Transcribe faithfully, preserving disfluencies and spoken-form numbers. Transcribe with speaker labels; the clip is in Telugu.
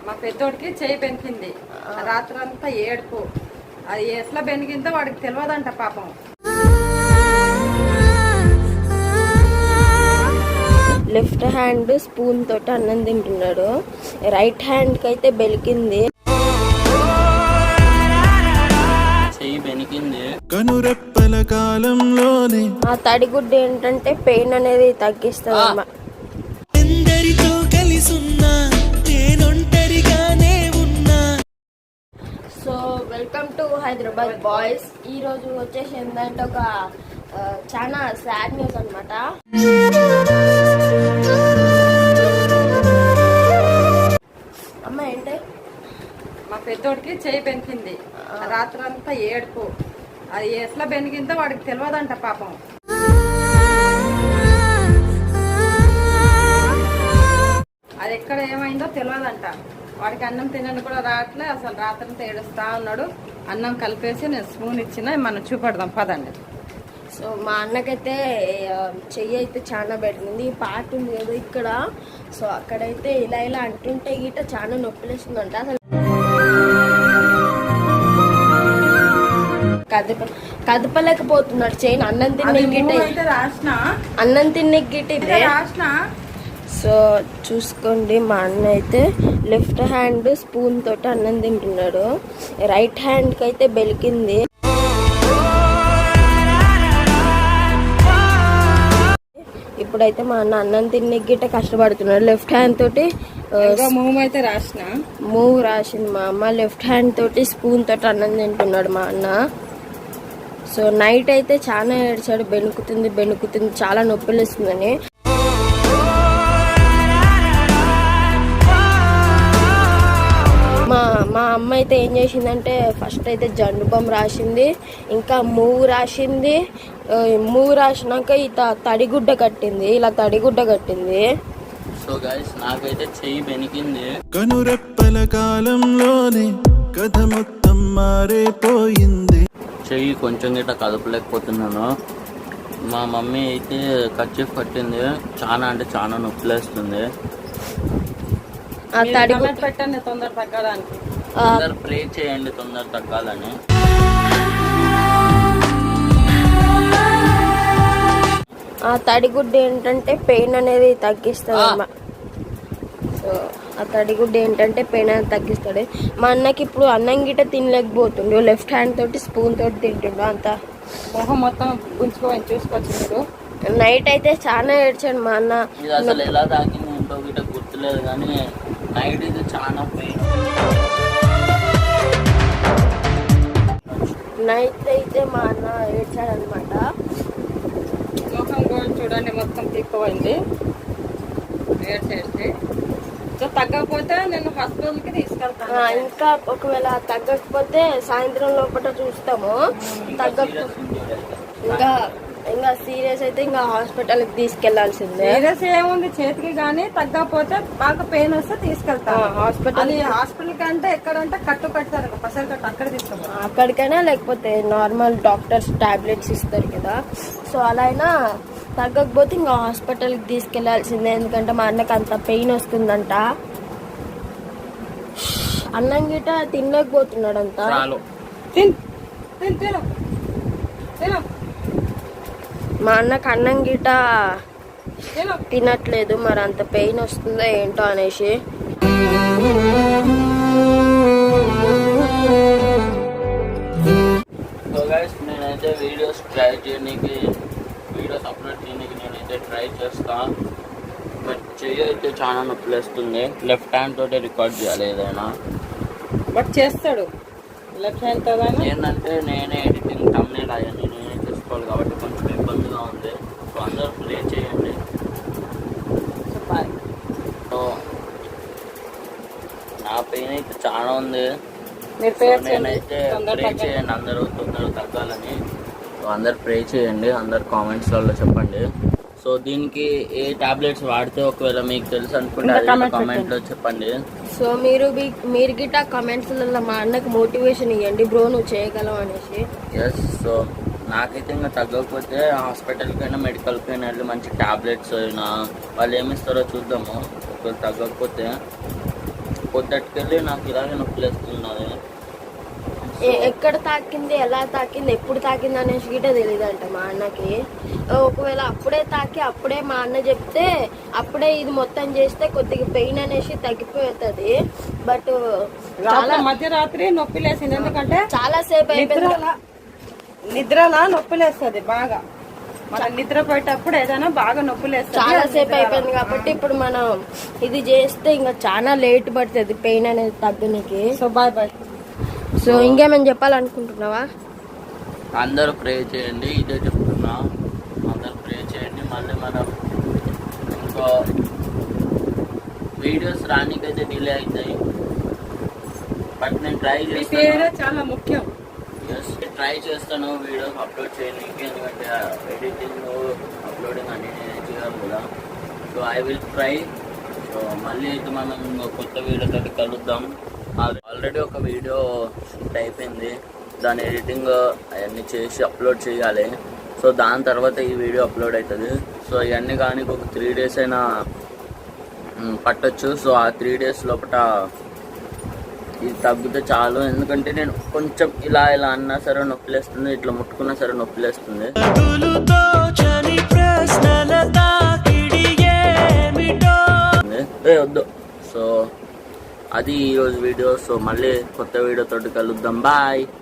Speaker 1: మా పెద్దోడికి చేయి బెనికింది. రాత్రంతా ఏడుపు. అది ఎట్లా బెనికిందో వాడికి తెలియదంట పాపం.
Speaker 2: లెఫ్ట్ హ్యాండ్ స్పూన్ తోటి అన్నం తింటున్నాడు. రైట్ హ్యాండ్ కి అయితే బెలికింది.
Speaker 3: కనురెప్పల కాలంలోనే
Speaker 2: ఆ తడిగుడ్డ ఏంటంటే పెయిన్ అనేది తగ్గిస్తుంది.
Speaker 3: ఎందరితో కలిసున్నా నేనొంటరిగానే ఉన్నా.
Speaker 2: So welcome to Hyderabad boys. ఈ రోజు వచ్చేసి ఏంటంటే ఒక చాలా సాడ్ న్యూస్ అనమాట. అమ్మ ఏంటి?
Speaker 1: మా పెద్దోడికి చేయి బెనికింది. రాత్రంతా ఏడుపు. అది ఎట్లా బెనికిందో వాడికి తెలియదంట పాపం. అది ఎక్కడ ఏమైందో తెలియదంట. వాడికి అన్నం తినని కూడా రావట్లే. అసలు రాత్రంతా ఏడుస్తా ఉన్నాడు. అన్నం కలిపేసి నేను స్పూన్ ఇచ్చిన మనం చూపెడదాం పదండి.
Speaker 2: సో మా అన్నకైతే చెయ్యి అయితే చాలా పెట్టింది. ఈ పార్ట్ ఉంది కదా ఇక్కడ. సో అక్కడైతే ఇలా ఇలా అంటుంటే గిట్ట చాలా నొప్పిలేస్తుందంట. అసలు కదప కదపలేకపోతున్నాడు చెయ్యి. అన్నం తినే గిట్ట అన్నం తినే గిట్ట. సో చూసుకోండి, మా అన్న అయితే లెఫ్ట్ హ్యాండ్ స్పూన్ తోటి అన్నం తింటున్నాడు. రైట్ హ్యాండ్కి అయితే బెలికింది. ఇప్పుడైతే మా అన్న అన్నం తినే గిట్ట కష్టపడుతున్నాడు. లెఫ్ట్ హ్యాండ్ తోటి
Speaker 1: మూవ్ అయితే రాసిన
Speaker 2: మూవ్ రాసింది మా అమ్మ. లెఫ్ట్ హ్యాండ్ తోటి స్పూన్ తోటి అన్నం తింటున్నాడు మా అన్న. సో నైట్ అయితే చాలా ఏడ్చాడు. బెణుకుతుంది బెణుకుతుంది చాలా నొప్పిలేస్తుందని. మా మా అమ్మ అయితే ఏం చేసిందంటే ఫస్ట్ అయితే జండు బొమ్మ రాసింది, ఇంకా మూవ్ రాసింది. మూవ్ రాసినాక ఈ తడిగుడ్డ కట్టింది. ఇలా తడిగుడ్డ కట్టింది.
Speaker 4: సో గైస్ నాకైతే చెయ్యి బెనికింది.
Speaker 3: కనురెప్పల కాలంలోనే కథ మొత్తం మారిపోయింది.
Speaker 4: చెయ్యి కొంచెం గిట్ట కదపలేకపోతున్నాను. మా మమ్మీ అయితే కర్చీఫ్ కట్టింది. చాలా అంటే చాలా నొప్పిలేస్తుంది.
Speaker 1: పెట్టండి తొందర తగ్గడానికి.
Speaker 4: తొందర ప్రే చేయండి తొందర తగ్గాలని.
Speaker 2: ఆ తడిగుడ్డ ఏంటంటే పెయిన్ అనేది తగ్గిస్తుంది. సో ఆ తడిగుడ్డ ఏంటంటే పెయిన్ అనేది తగ్గిస్తాడు. మా అన్నకి ఇప్పుడు అన్నం గిట్ట తినలేకపోతుండు. లెఫ్ట్ హ్యాండ్ తోటి స్పూన్ తోటి తింటుండు. అంత
Speaker 1: మొహం మొత్తం గుంజుకోని చూసుకోవచ్చు మీరు.
Speaker 2: నైట్ అయితే చాలా ఏడ్చాడు మా అన్న.
Speaker 4: ఇది అసలు ఎలా తాకింది ఏంటో గిట్ట గుర్తులేదు, కానీ నైట్ ఇది చాలా పెయిన్.
Speaker 2: నైట్ అయితే మా అన్న ఏడ్చాడు అనమాట.
Speaker 1: ముఖం కూడా చూడండి మొత్తం తిప్పిపోయింది ఏడ్చేసి. సో తగ్గకపోతే నేను హాస్పిటల్కి తీసుకెళ్తాను.
Speaker 2: ఇంకా ఒకవేళ తగ్గకపోతే సాయంత్రం లోపల చూస్తాము. తగ్గకపోతే ఇంకా ఇంకా సీరియస్ అయితే ఇంకా హాస్పిటల్కి తీసుకెళ్లాల్సిందే.
Speaker 1: సీరియస్ ఏముంది చేతికి, కానీ తగ్గకపోతే బాగా పెయిన్ వస్తే తీసుకెళ్తాను హాస్పిటల్. హాస్పిటల్ కంటే ఎక్కడంటే కట్టు కట్టారు పసరు కట్టు, అక్కడ తీసుకెళ్తాను.
Speaker 2: అక్కడికైనా లేకపోతే నార్మల్ డాక్టర్స్ టాబ్లెట్స్ ఇస్తారు కదా. సో అలా అయినా తగ్గకపోతే ఇంకా హాస్పిటల్కి తీసుకెళ్లాల్సిందే. ఎందుకంటే మా అన్నకి అంత పెయిన్ వస్తుందంట. అన్నం గిట తినలేకపోతున్నాడంట. మా అన్నకు అన్నం గిట తినట్లేదు. మరి అంత పెయిన్ వస్తుందో ఏంటో అనేసి.
Speaker 4: నేనైతే వీడియోస్ ట్రై చేయడానికి వీడియోస్ అప్లోడ్ చేయడానికి నేనైతే ట్రై చేస్తా. బట్ చెయ్యి అయితే చాలా నొప్పిలేస్తుంది. లెఫ్ట్ హ్యాండ్ తోటే రికార్డ్ చేయాలి ఏదైనా.
Speaker 1: బట్ చేస్తాడు లెఫ్ట్ హ్యాండ్ తో.
Speaker 4: ఏంటంటే నేనే ఎడిటింగ్ తమ్నేల్ అవన్నీ నేనే చేసుకోవాలి కాబట్టి కొంచెం ఇబ్బందిగా ఉంది. సో అందరూ ప్లే చేయండి. సో నా పెయిన్ అయితే చాలా ఉంది. నేనైతే ప్రే చేయండి అందరూ తొందరగా తగ్గాలని. సో అందరు ప్రే చేయండి. అందరు కామెంట్స్లలో చెప్పండి. సో దీనికి ఏ టాబ్లెట్స్ వాడితే ఒకవేళ మీకు తెలుసు అనుకుంటే కామెంట్ లో చెప్పండి.
Speaker 2: సో మీరు మీరు గిట్ట కామెంట్స్ మా అన్నకు మోటివేషన్ ఇవ్వండి, బ్రో నువ్వు చేయగలవు అనేసి.
Speaker 4: ఎస్. సో నాకైతే ఇంకా తగ్గకపోతే హాస్పిటల్కి అయినా మెడికల్కి అయినా వెళ్ళి మంచి టాబ్లెట్స్ అయినా వాళ్ళు ఏమి ఇస్తారో చూద్దాము. ఒకవేళ తగ్గకపోతే పొద్దుకెళ్ళి నాకు ఇలాగే నొప్పి లేస్తున్నది.
Speaker 2: ఎ- ఎక్కడ తాకింది, ఎలా తాకింది, ఎప్పుడు తాకింది అనేసి గిట్ట తెలియదు అంట మా అన్నకి. ఒకవేళ అప్పుడే తాకి అప్పుడే మా అన్న చెప్తే అప్పుడే ఇది మొత్తం చేస్తే కొద్దిగా పెయిన్ అనేసి తగ్గిపోతుంది. బట్ చాలా
Speaker 1: మధ్యరాత్రి నొప్పి లేసింది, ఎందుకంటే
Speaker 2: చాలా సేపు అయిపోయింది.
Speaker 1: నిద్రలా నిద్రలా నొప్పి లేస్తుంది బాగా. మన నిద్ర పోయేటప్పుడు ఏదైనా బాగా నొప్పి లేస్తుంది.
Speaker 2: చాలా సేపు అయిపోయింది కాబట్టి ఇప్పుడు మనం ఇది చేస్తే ఇంకా చాలా లేట్ పడుతుంది పెయిన్ అనేది తగ్గనికి.
Speaker 1: So bye bye.
Speaker 2: సో ఇంకేమైనా చెప్పాలనుకుంటున్నావా?
Speaker 4: అందరూ ప్రే చేయండి, ఇదే చెప్తున్నా. అందరూ ప్రే చేయండి. మళ్ళీ మనం ఇంకో వీడియోస్ రానికైతే డిలే అవుతాయి, బట్ నేను ట్రై చేస్తాను.
Speaker 1: చాలా ముఖ్యం.
Speaker 4: ఎస్, ట్రై చేస్తాను వీడియోస్ అప్లోడ్ చేయడానికి. ఎందుకంటే ఎడిటింగ్ అప్లోడింగ్ అన్ని నేను చేయాలి కదా. So I will try. So మళ్ళీ అయితే మనం ఇంకో కొత్త వీడియోతో కలుద్దాం. ఆల్రెడీ ఒక వీడియో షూట్ అయిపోయింది, దాని ఎడిటింగ్ అవన్నీ చేసి అప్లోడ్ చేయాలి. సో దాని తర్వాత ఈ వీడియో అప్లోడ్ అవుతుంది. సో ఇవన్నీ కానీ ఒక త్రీ డేస్ అయినా పట్టొచ్చు. సో ఆ త్రీ డేస్ లోపల ఇది తగ్గితే చాలు. ఎందుకంటే నేను కొంచెం ఇలా ఇలా అన్నా సరే నొప్పిలేస్తుంది, ఇట్లా ముట్టుకున్నా సరే నొప్పిలేస్తుంది. ఏ వద్దు. సో అది ఈరోజు వీడియో. సో మళ్ళీ కొత్త వీడియోతో కలుద్దాం. బాయ్.